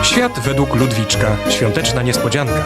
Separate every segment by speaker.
Speaker 1: Świat według Ludwiczka. Świąteczna niespodzianka.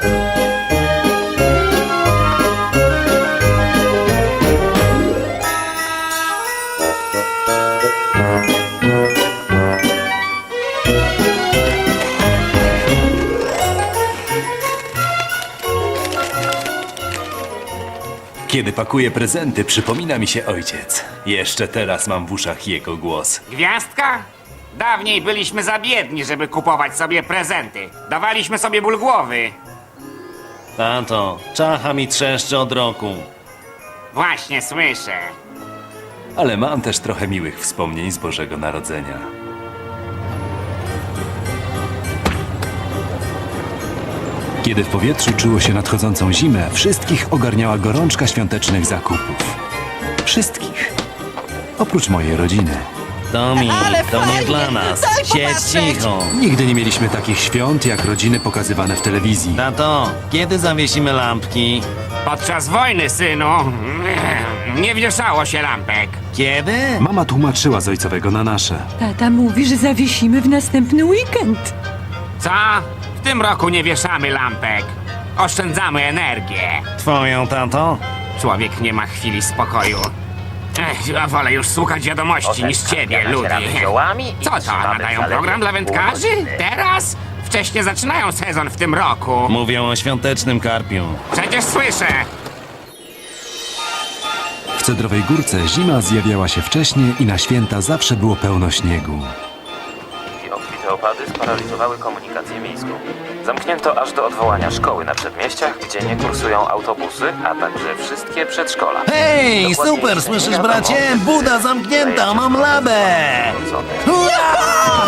Speaker 2: Kiedy pakuję prezenty, przypomina mi się ojciec. Jeszcze teraz mam w uszach jego głos.
Speaker 3: Gwiazdka? Dawniej byliśmy za biedni, żeby kupować sobie prezenty. Dawaliśmy sobie ból głowy.
Speaker 4: Tato, czacha mi trzeszczy od roku.
Speaker 3: Właśnie słyszę.
Speaker 2: Ale mam też trochę miłych wspomnień z Bożego Narodzenia. Kiedy w powietrzu czuło się nadchodzącą zimę, wszystkich ogarniała gorączka świątecznych zakupów. Wszystkich. Oprócz mojej rodziny.
Speaker 4: Tomi,
Speaker 5: Ale
Speaker 4: to nie
Speaker 5: fajnie,
Speaker 4: dla nas.
Speaker 5: daj
Speaker 4: Siedź
Speaker 5: popatrzeć.
Speaker 4: cicho.
Speaker 2: Nigdy nie mieliśmy takich świąt jak rodziny pokazywane w telewizji.
Speaker 4: Tato, kiedy zawiesimy lampki?
Speaker 3: Podczas wojny, synu, nie wieszało się lampek.
Speaker 4: Kiedy?
Speaker 2: Mama tłumaczyła z ojcowego na nasze.
Speaker 5: Tata mówi, że zawiesimy w następny weekend.
Speaker 3: Co? W tym roku nie wieszamy lampek. Oszczędzamy energię.
Speaker 4: Twoją, tato?
Speaker 3: Człowiek nie ma chwili spokoju. Ja wolę już słuchać wiadomości niż ciebie, Ludi. Co to, nadają program dla wędkarzy? Teraz? Wcześniej zaczynają sezon w tym roku.
Speaker 4: Mówią o świątecznym karpiu.
Speaker 3: Przecież słyszę.
Speaker 2: W Cedrowej Górce zima zjawiała się wcześniej i na święta zawsze było pełno śniegu.
Speaker 6: Obfite opady sparaliżowały komunikację miejską. Zamknięto aż do odwołania szkoły na przedmieściach, gdzie nie kursują autobusy, a także wszystkie przedszkola.
Speaker 4: Hej,
Speaker 6: Dokładniej
Speaker 4: super,
Speaker 6: nie
Speaker 4: słyszysz
Speaker 6: wiadomo,
Speaker 4: bracie? Buda zamknięta, mam labę! Hurra!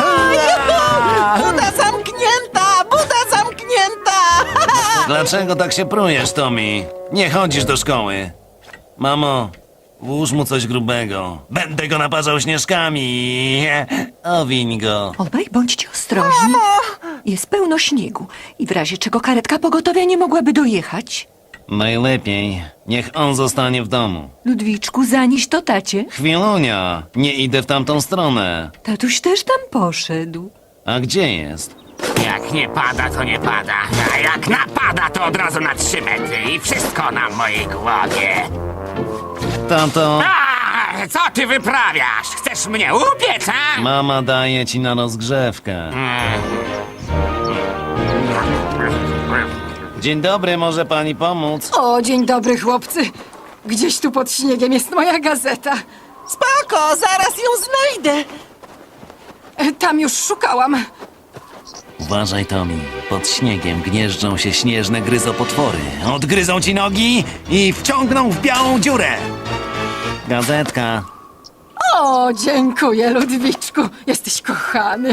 Speaker 5: Buda zamknięta! Buda zamknięta!
Speaker 4: Dlaczego tak się prujesz, Tomi? Nie chodzisz do szkoły. Mamo, włóż mu coś grubego. Będę go naparzał śnieżkami. Owiń go.
Speaker 7: Obaj bądźcie ostrożni. Jest pełno śniegu i w razie czego karetka pogotowia nie mogłaby dojechać.
Speaker 4: Najlepiej, niech on zostanie w domu.
Speaker 7: Ludwiczku, zanieś to tacie.
Speaker 4: Chwilunia, nie idę w tamtą stronę.
Speaker 7: Tatuś też tam poszedł.
Speaker 4: A gdzie jest?
Speaker 3: Jak nie pada, to nie pada. A jak napada, to od razu na 3 metry. I wszystko na mojej głowie.
Speaker 4: Tato,
Speaker 3: Co ty wyprawiasz? Chcesz mnie upiec, a?
Speaker 4: mama daje ci na rozgrzewkę. Dzień dobry, może pani pomóc?
Speaker 5: O, dzień dobry, chłopcy. Gdzieś tu pod śniegiem jest moja gazeta. Spoko, zaraz ją znajdę. Tam już szukałam.
Speaker 4: Uważaj, Tomi. Pod śniegiem gnieżdżą się śnieżne gryzopotwory. Odgryzą ci nogi i wciągną w białą dziurę. Gazetka.
Speaker 5: O, dziękuję, Ludwiczku. Jesteś kochany.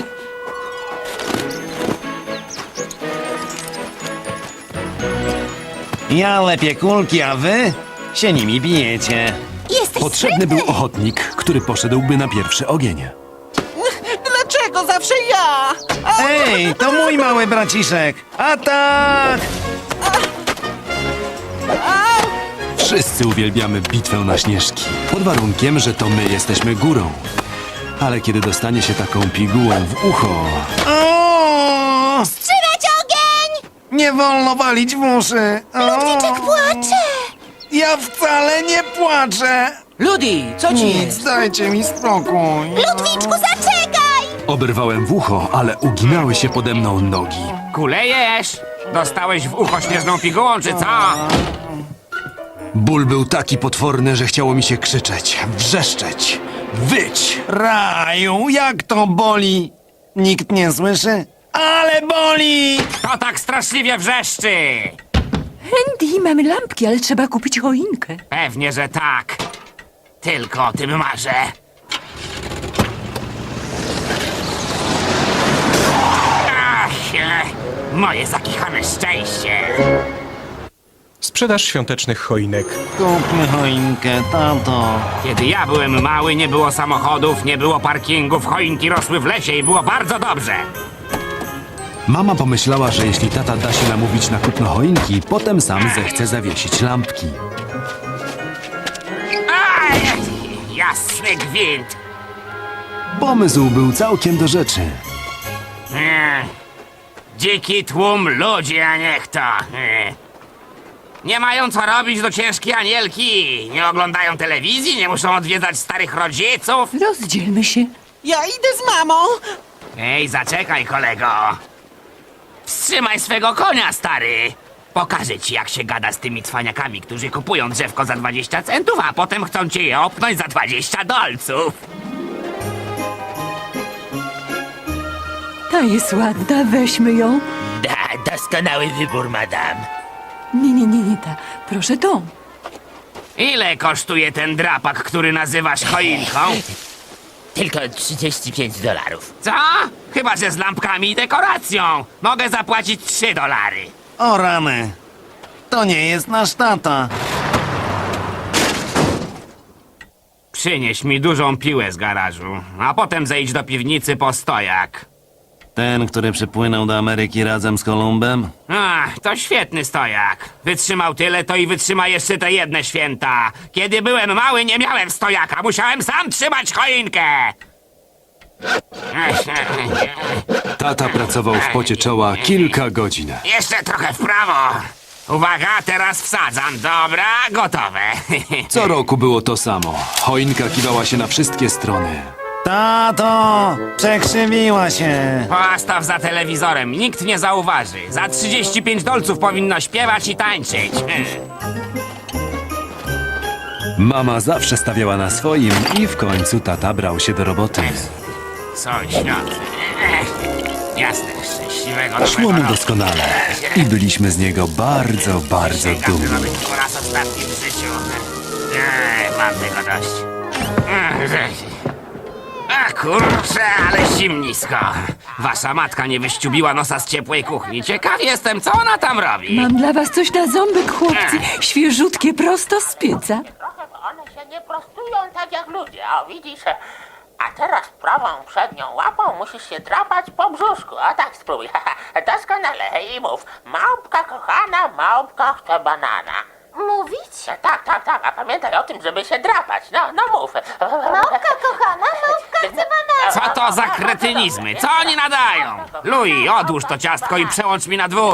Speaker 4: Ja lepię kulki, a wy się nimi bijecie.
Speaker 2: Potrzebny był ochotnik, który poszedłby na pierwszy ogień.
Speaker 5: Dlaczego zawsze ja?
Speaker 4: Ej, to mój mały braciszek. Atak!
Speaker 2: Wszyscy uwielbiamy bitwę na śnieżki. Pod warunkiem, że to my jesteśmy górą. Ale kiedy dostanie się taką pigułę w ucho...
Speaker 4: O!
Speaker 8: Trzymać ogień!
Speaker 4: Nie wolno walić w uszy.
Speaker 8: Ludwiczek płacze!
Speaker 4: Ja wcale nie płaczę.
Speaker 9: Ludi, co ci jest?
Speaker 4: Dajcie mi spokój.
Speaker 8: Ludwiczku, zaczekaj!
Speaker 2: Oberwałem w ucho, ale uginały się pode mną nogi.
Speaker 3: Kulejesz? Dostałeś w ucho śnieżną pigułą, czy co?
Speaker 2: Ból był taki potworny, że chciało mi się krzyczeć, wrzeszczeć, wyć.
Speaker 4: Raju, jak to boli? Nikt nie słyszy? Ale boli!
Speaker 3: To tak straszliwie wrzeszczy!
Speaker 7: Andy, mamy lampki, ale trzeba kupić choinkę.
Speaker 3: Pewnie, że tak. Tylko o tym marzę. Moje zakichane szczęście.
Speaker 1: Sprzedaż świątecznych choinek.
Speaker 4: Kupmy choinkę, tato.
Speaker 3: Kiedy ja byłem mały, nie było samochodów, nie było parkingów, choinki rosły w lesie i było bardzo dobrze.
Speaker 2: Mama pomyślała, że jeśli tata da się namówić na kupno choinki, potem sam zechce zawiesić lampki.
Speaker 3: Aj, jasny gwint.
Speaker 2: Pomysł był całkiem do rzeczy.
Speaker 3: Dziki tłum ludzi, a nie kto. Nie mają co robić do ciężkiej anielki. Nie oglądają telewizji, nie muszą odwiedzać starych rodziców.
Speaker 7: Rozdzielmy się.
Speaker 9: Ja idę z mamą.
Speaker 3: Ej, zaczekaj, kolego. Wstrzymaj swego konia, stary. Pokażę ci, jak się gada z tymi cwaniakami, którzy kupują drzewko za 20 centów, a potem chcą cię je opnąć za 20 dolców.
Speaker 7: Ta jest ładna, weźmy ją.
Speaker 9: Doskonały wybór, madam.
Speaker 7: Nie ta. Proszę tą.
Speaker 3: Ile kosztuje ten drapak, który nazywasz choinką?
Speaker 9: Tylko $35.
Speaker 3: Co? Chyba, że z lampkami i dekoracją. Mogę zapłacić $3.
Speaker 4: O rany. To nie jest nasz tata.
Speaker 3: Przynieś mi dużą piłę z garażu, a potem zejdź do piwnicy po stojak.
Speaker 4: Ten, który przypłynął do Ameryki razem z Kolumbem?
Speaker 3: Ach, to świetny stojak. Wytrzymał tyle, to i wytrzyma jeszcze te jedne święta. Kiedy byłem mały, nie miałem stojaka. Musiałem sam trzymać choinkę.
Speaker 2: Tata pracował w pocie czoła kilka godzin.
Speaker 3: Jeszcze trochę w prawo. Uwaga, teraz wsadzam. Dobra, gotowe.
Speaker 2: Co roku było to samo. Choinka kiwała się na wszystkie strony.
Speaker 4: Tato! Przekrzywiła się.
Speaker 3: Postaw za telewizorem, nikt nie zauważy. Za 35 dolców powinno śpiewać i tańczyć.
Speaker 2: Mama zawsze stawiała na swoim i w końcu tata brał się do roboty.
Speaker 3: Sąsiad. Jasne, szczęśliwego
Speaker 2: Szło mu
Speaker 3: nowego roku.
Speaker 2: doskonale i byliśmy z niego bardzo, bardzo
Speaker 3: Każdy ma
Speaker 2: dumni.
Speaker 3: być po raz ostatni w życiu. Mam tego dość. A kurczę, ale zimnisko. Wasza matka nie wyściubiła nosa z ciepłej kuchni. Ciekaw jestem, co ona tam robi.
Speaker 7: Mam dla was coś na ząbek, chłopcy. Świeżutkie, prosto z pieca.
Speaker 10: Trochę, bo one się nie prostują tak jak ludzie, o widzisz? A teraz prawą przednią łapą musisz się drapać po brzuszku. A tak spróbuj. Doskonale i mów. Małpka kochana, małpka chce banana.
Speaker 8: Mówić?
Speaker 10: Tak. A pamiętaj o tym, żeby się drapać. No mów.
Speaker 8: Małpka kochana, małpka chce banana.
Speaker 3: Co to za kretynizmy? Co oni nadają? Louis, odłóż to ciastko i przełącz mi na 2.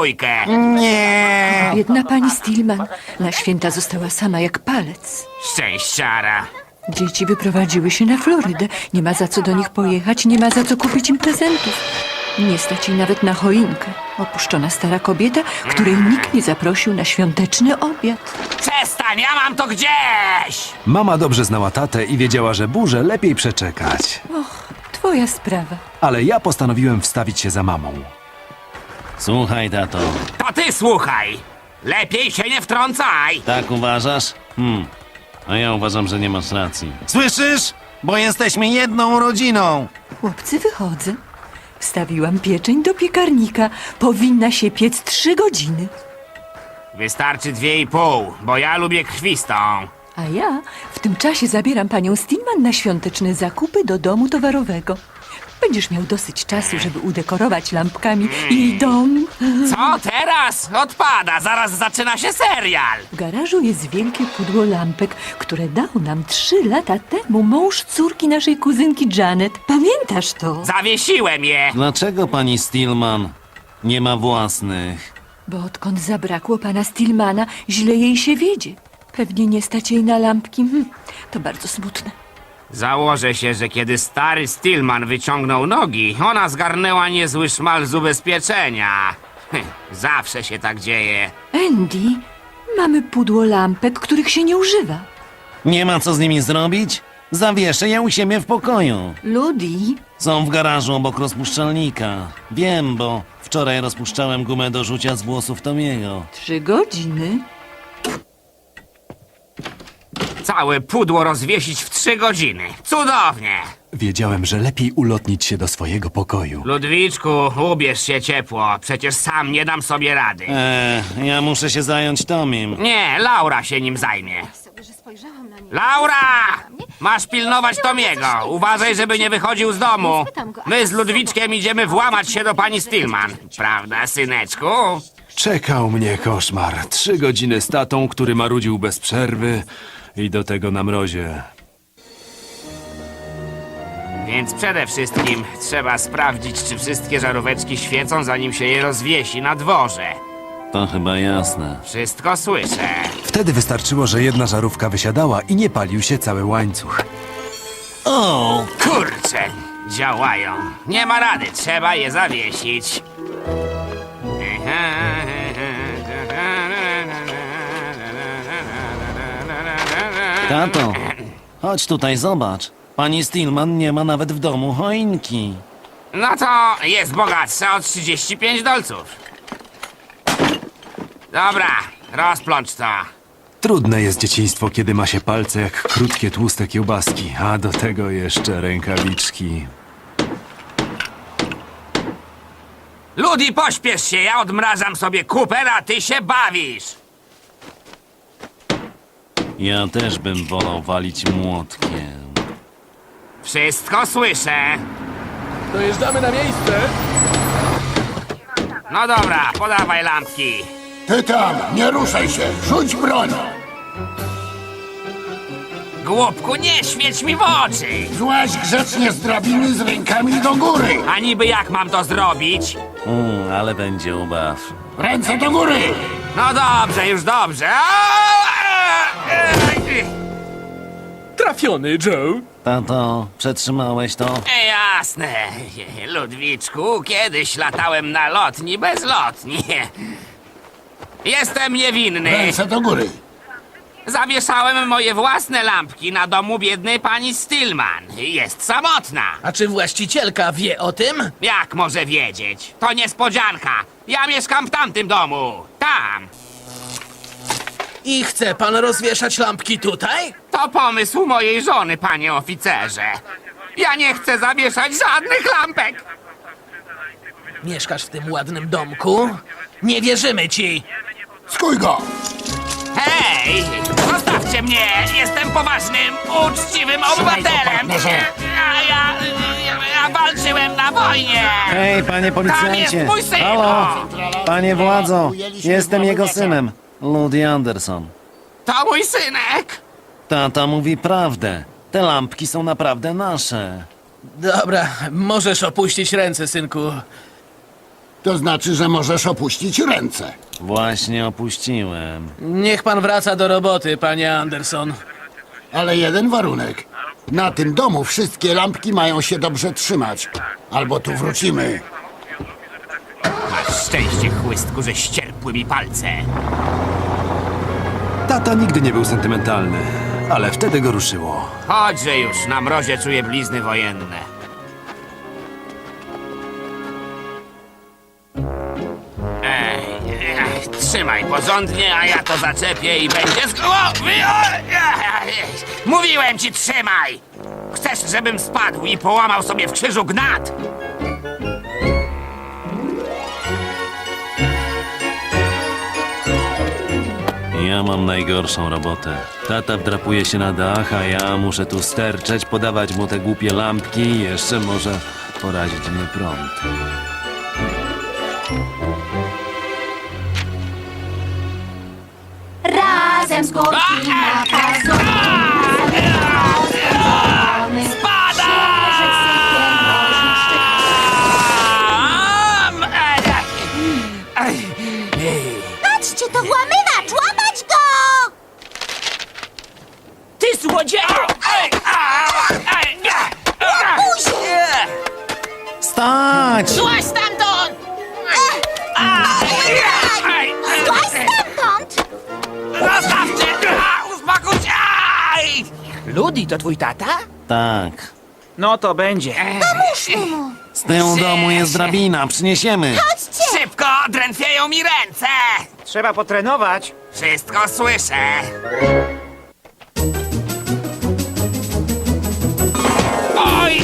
Speaker 4: Nie.
Speaker 7: Biedna pani Stillman. Na święta została sama jak palec.
Speaker 3: Szczęściara.
Speaker 7: Dzieci wyprowadziły się na Florydę. Nie ma za co do nich pojechać, nie ma za co kupić im prezentów. Nie stać jej nawet na choinkę. Opuszczona stara kobieta, której nikt nie zaprosił na świąteczny obiad.
Speaker 3: Przestań, ja mam to gdzieś!
Speaker 2: Mama dobrze znała tatę i wiedziała, że burzę lepiej przeczekać.
Speaker 7: Twoja sprawa.
Speaker 2: Ale ja postanowiłem wstawić się za mamą.
Speaker 4: Słuchaj, tato.
Speaker 3: To ty słuchaj! Lepiej się nie wtrącaj!
Speaker 4: Tak uważasz? A ja uważam, że nie masz racji. Słyszysz? Bo jesteśmy jedną rodziną.
Speaker 7: Chłopcy, wychodzę. Wstawiłam pieczeń do piekarnika. Powinna się piec 3 godziny.
Speaker 3: Wystarczy 2,5, bo ja lubię krwistą.
Speaker 7: A ja w tym czasie zabieram panią Stillman na świąteczne zakupy do domu towarowego. Będziesz miał dosyć czasu, żeby udekorować lampkami jej dom.
Speaker 3: Co teraz? Odpada, zaraz zaczyna się serial.
Speaker 7: W garażu jest wielkie pudło lampek, które dał nam 3 lata temu mąż córki naszej kuzynki Janet. Pamiętasz to?
Speaker 3: Zawiesiłem je.
Speaker 4: Dlaczego pani Stillman nie ma własnych?
Speaker 7: Bo odkąd zabrakło pana Stillmana, źle jej się wiedzie. Pewnie nie stać jej na lampki. To bardzo smutne.
Speaker 3: Założę się, że kiedy stary Stillman wyciągnął nogi, ona zgarnęła niezły szmal z ubezpieczenia. Zawsze się tak dzieje.
Speaker 7: Andy, mamy pudło lampek, których się nie używa.
Speaker 4: Nie ma co z nimi zrobić? Zawieszę je u siebie w pokoju.
Speaker 7: Ludi,
Speaker 4: Są w garażu obok rozpuszczalnika. Wiem, bo wczoraj rozpuszczałem gumę do rzucia z włosów Tomiego.
Speaker 7: 3 godziny.
Speaker 3: Całe pudło rozwiesić w 3 godziny. Cudownie!
Speaker 2: Wiedziałem, że lepiej ulotnić się do swojego pokoju.
Speaker 3: Ludwiczku, ubierz się ciepło. Przecież sam nie dam sobie rady.
Speaker 4: Ja muszę się zająć Tomim.
Speaker 3: Nie, Laura się nim zajmie. Laura! Masz pilnować Tomiego. Uważaj, żeby nie wychodził z domu. My z Ludwiczkiem idziemy włamać się do pani Stillman. Prawda, syneczku?
Speaker 2: Czekał mnie koszmar. 3 godziny z tatą, który marudził bez przerwy i do tego na mrozie.
Speaker 3: Więc przede wszystkim trzeba sprawdzić, czy wszystkie żaróweczki świecą, zanim się je rozwiesi na dworze.
Speaker 4: To chyba jasne.
Speaker 3: Wszystko słyszę.
Speaker 2: Wtedy wystarczyło, że jedna żarówka wysiadała i nie palił się cały łańcuch.
Speaker 4: O!
Speaker 3: Kurczę, działają. Nie ma rady, trzeba je zawiesić.
Speaker 4: Tato, chodź tutaj, zobacz. Pani Stillman nie ma nawet w domu choinki.
Speaker 3: No to jest bogatsza o 35 dolców. Dobra, rozplącz to.
Speaker 2: Trudne jest dzieciństwo, kiedy ma się palce jak krótkie, tłuste kiełbaski, a do tego jeszcze rękawiczki.
Speaker 3: Ludi, pośpiesz się, ja odmrażam sobie kuper, a ty się bawisz.
Speaker 4: Ja też bym wolał walić młotkiem.
Speaker 3: Wszystko słyszę.
Speaker 11: Dojeżdżamy na miejsce.
Speaker 3: No dobra, podawaj lampki.
Speaker 11: Ty tam, nie ruszaj się, rzuć broń.
Speaker 3: Głupku, nie świeć mi w oczy.
Speaker 11: Złaź grzecznie z drabiny z rękami do góry.
Speaker 3: A niby jak mam to zrobić?
Speaker 4: Ale będzie ubaw.
Speaker 11: Ręce do góry.
Speaker 3: No dobrze, już dobrze.
Speaker 11: Trafiony, Joe.
Speaker 4: Tato, przetrzymałeś to?
Speaker 3: Jasne, Ludwiczku, kiedyś latałem na lotni bezlotni. Jestem niewinny.
Speaker 11: Ręce do góry.
Speaker 3: Zawieszałem moje własne lampki na domu biednej pani Stillman. Jest samotna.
Speaker 9: A czy właścicielka wie o tym?
Speaker 3: Jak może wiedzieć? To niespodzianka. Ja mieszkam w tamtym domu. Tam.
Speaker 9: I chce pan rozwieszać lampki tutaj?
Speaker 3: To pomysł mojej żony, panie oficerze. Ja nie chcę zawieszać żadnych lampek.
Speaker 9: Mieszkasz w tym ładnym domku? Nie wierzymy ci!
Speaker 11: Skuj go.
Speaker 3: Hej! Zostawcie mnie! Jestem poważnym, uczciwym obywatelem!
Speaker 11: partnerze.
Speaker 3: Ja walczyłem na wojnie!
Speaker 4: Hej, panie
Speaker 3: Tam jest mój syn!
Speaker 4: Panie władzo, jestem jego synem. Ludi Anderson.
Speaker 3: To mój synek!
Speaker 4: Tata mówi prawdę. Te lampki są naprawdę nasze.
Speaker 9: Dobra, możesz opuścić ręce, synku.
Speaker 11: To znaczy, że możesz opuścić ręce.
Speaker 4: Właśnie opuściłem.
Speaker 9: Niech pan wraca do roboty, panie Anderson.
Speaker 11: Ale jeden warunek. Na tym domu wszystkie lampki mają się dobrze trzymać. Albo tu wrócimy.
Speaker 3: Masz szczęście, chłystku, że ścierpły mi palce.
Speaker 2: Tata nigdy nie był sentymentalny, ale wtedy go ruszyło.
Speaker 3: Chodźże już, na mrozie czuję blizny wojenne. Trzymaj porządnie, a ja to zaczepię i będzie z głowy. Mówiłem ci, trzymaj! Chcesz, żebym spadł i połamał sobie w krzyżu gnat?
Speaker 4: Ja mam najgorszą robotę. Tata wdrapuje się na dach, a ja muszę tu sterczeć, podawać mu te głupie lampki i jeszcze może porazić mnie prąd.
Speaker 8: Razem z górki na pazurze. Patrzcie, to włamywacz! Łapać go!
Speaker 9: Ty złodzieju!
Speaker 4: Stać!
Speaker 10: Złaź stamtąd!
Speaker 8: Złaź stamtąd!
Speaker 3: Zostawcie! Uspokój się!
Speaker 9: Ludi, to twój tata?
Speaker 4: Tak.
Speaker 9: No to będzie.
Speaker 8: Pomóżmy mu!
Speaker 4: Z tyłu domu jest drabina, przyniesiemy.
Speaker 8: Chodźcie!
Speaker 3: Szybko! Drętwieją mi ręce!
Speaker 9: Trzeba potrenować.
Speaker 3: Wszystko słyszę. Oj!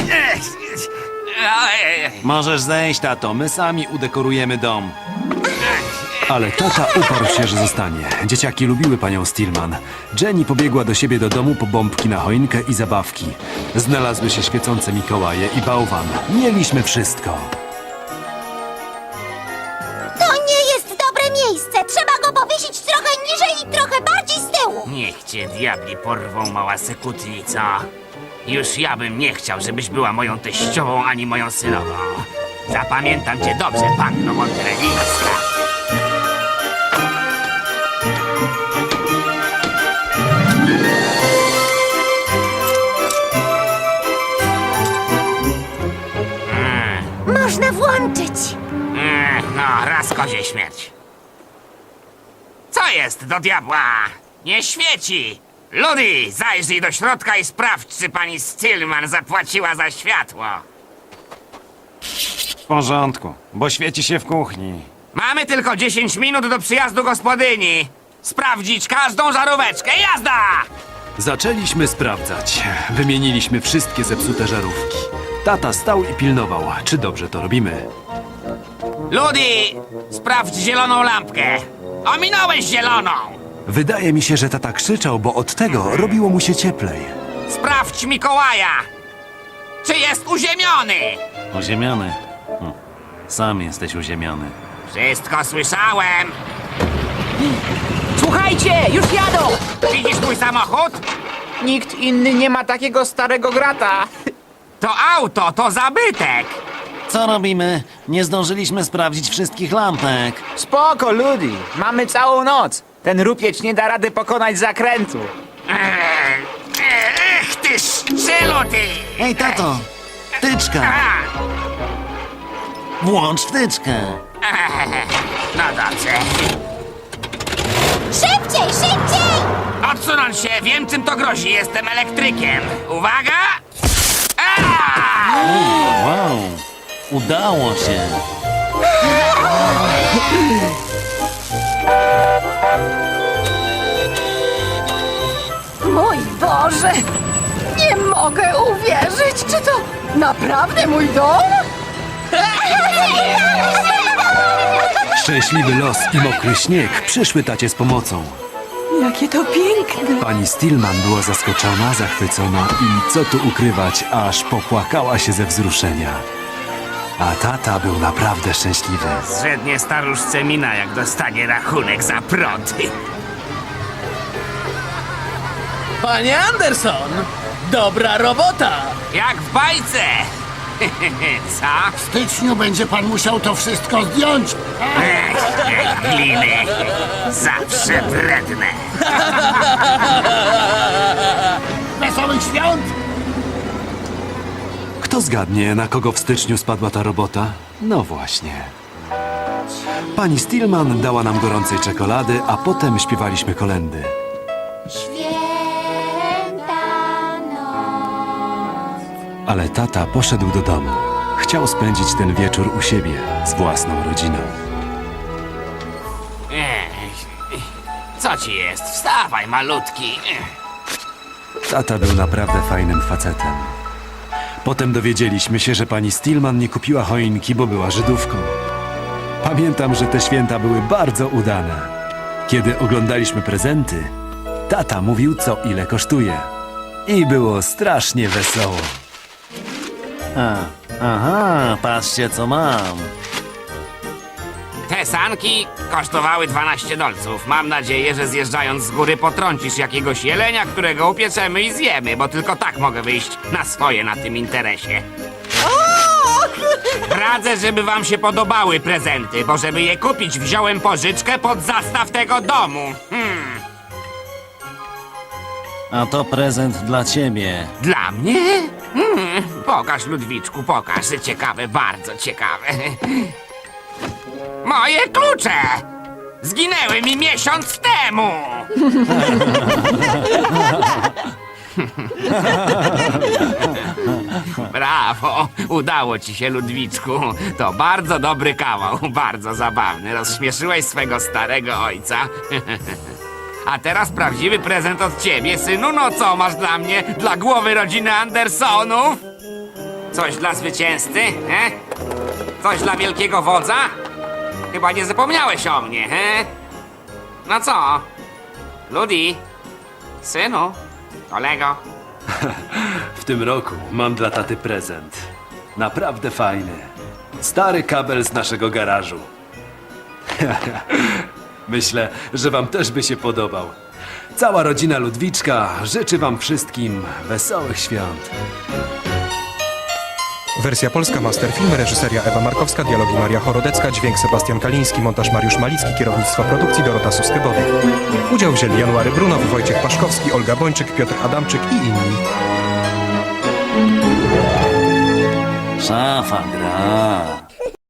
Speaker 4: Możesz zejść, tato, my sami udekorujemy dom.
Speaker 2: Ale tata uparł się, że zostanie. Dzieciaki lubiły panią Stillman. Jenny pobiegła do siebie do domu po bombki na choinkę i zabawki. Znalazły się świecące Mikołaje i bałwan. Mieliśmy wszystko.
Speaker 8: To nie jest dobre miejsce! Trzeba go powiesić trochę niżej i trochę bardziej z tyłu!
Speaker 3: Niech cię diabli porwą, mała sekutnica. Już ja bym nie chciał, żebyś była moją teściową ani moją synową. Zapamiętam cię dobrze, panno Monterelińska.
Speaker 8: Można włączyć.
Speaker 3: No, raz kozie śmierć. Co jest do diabła? Nie świeci! Ludy, zajrzyj do środka i sprawdź, czy pani Stillman zapłaciła za światło.
Speaker 4: W porządku, bo świeci się w kuchni.
Speaker 3: Mamy tylko 10 minut do przyjazdu gospodyni. Sprawdzić każdą żaróweczkę. Jazda!
Speaker 2: Zaczęliśmy sprawdzać. Wymieniliśmy wszystkie zepsute żarówki. Tata stał i pilnował, czy dobrze to robimy.
Speaker 3: Ludy, sprawdź zieloną lampkę. Ominąłeś zieloną.
Speaker 2: Wydaje mi się, że tata krzyczał, bo od tego robiło mu się cieplej.
Speaker 3: Sprawdź Mikołaja. Czy jest uziemiony?
Speaker 4: Uziemiony? Sam jesteś uziemiony.
Speaker 3: Wszystko słyszałem.
Speaker 9: Słuchajcie, już jadą!
Speaker 3: Widzisz mój samochód?
Speaker 9: Nikt inny nie ma takiego starego grata.
Speaker 3: To auto, to zabytek.
Speaker 4: Co robimy? Nie zdążyliśmy sprawdzić wszystkich lampek.
Speaker 9: Spoko, ludzi. Mamy całą noc. Ten rupieć nie da rady pokonać zakrętu.
Speaker 3: Ech, ty szczelu, ty!
Speaker 4: Ej, tato! Wtyczka!
Speaker 3: A,
Speaker 4: Włącz wtyczkę!
Speaker 3: no dobrze.
Speaker 8: Szybciej, szybciej!
Speaker 3: Odsunąć się, wiem czym to grozi, jestem elektrykiem. Uwaga! A!
Speaker 4: Wow! Udało się!
Speaker 5: Mój Boże! Nie mogę uwierzyć! Czy to naprawdę mój dom?
Speaker 2: Szczęśliwy los i mokry śnieg przyszły tacie z pomocą.
Speaker 7: Jakie to piękne!
Speaker 2: Pani Stillman była zaskoczona, zachwycona i co tu ukrywać, aż popłakała się ze wzruszenia. A tata był naprawdę szczęśliwy.
Speaker 3: Zrzednie staruszce mina, jak dostanie rachunek za prąd.
Speaker 9: Panie Anderson! Dobra robota!
Speaker 3: Jak w bajce! Co?
Speaker 11: W styczniu będzie pan musiał to wszystko zdjąć.
Speaker 3: Ech, gliny. Zawsze wredne.
Speaker 11: Wesołych świąt!
Speaker 2: Kto zgadnie, na kogo w styczniu spadła ta robota? No właśnie. Pani Stillman dała nam gorącej czekolady, a potem śpiewaliśmy kolędy.
Speaker 8: Święta noc.
Speaker 2: Ale tata poszedł do domu. Chciał spędzić ten wieczór u siebie, z własną rodziną.
Speaker 3: Co ci jest? Wstawaj, malutki.
Speaker 2: Tata był naprawdę fajnym facetem. Potem dowiedzieliśmy się, że pani Stillman nie kupiła choinki, bo była Żydówką. Pamiętam, że te święta były bardzo udane. Kiedy oglądaliśmy prezenty, tata mówił, co ile kosztuje. I było strasznie wesoło.
Speaker 4: Aha, patrzcie co mam.
Speaker 3: Te sanki kosztowały 12 dolców. Mam nadzieję, że zjeżdżając z góry potrącisz jakiegoś jelenia, którego upieczemy i zjemy, bo tylko tak mogę wyjść na swoje na tym interesie. Radzę, żeby wam się podobały prezenty, bo żeby je kupić, wziąłem pożyczkę pod zastaw tego domu.
Speaker 4: A to prezent dla ciebie.
Speaker 3: Dla mnie? Pokaż, Ludwiczku, pokaż. Ciekawe, bardzo ciekawe. Moje klucze! Zginęły mi miesiąc temu! Brawo! Udało ci się, Ludwiczku. To bardzo dobry kawał, bardzo zabawny. Rozśmieszyłeś swego starego ojca. A teraz prawdziwy prezent od ciebie, synu. No co masz dla mnie? Dla głowy rodziny Andersonów? Coś dla zwycięzcy, he? Coś dla wielkiego wodza? Chyba nie zapomniałeś o mnie, he? No co? Ludi? Synu? Kolego?
Speaker 2: W tym roku mam dla taty prezent. Naprawdę fajny. Stary kabel z naszego garażu. Myślę, że wam też by się podobał. Cała rodzina Ludwiczka życzy wam wszystkim wesołych świąt.
Speaker 1: Wersja polska Masterfilm, reżyseria Ewa Markowska, dialogi Maria Chorodecka, dźwięk Sebastian Kaliński, montaż Mariusz Malicki, kierownictwo produkcji Dorota Suskebody. Udział wzięli January Brunow, Wojciech Paszkowski, Olga Bończyk, Piotr Adamczyk i inni.
Speaker 4: Szafa gra.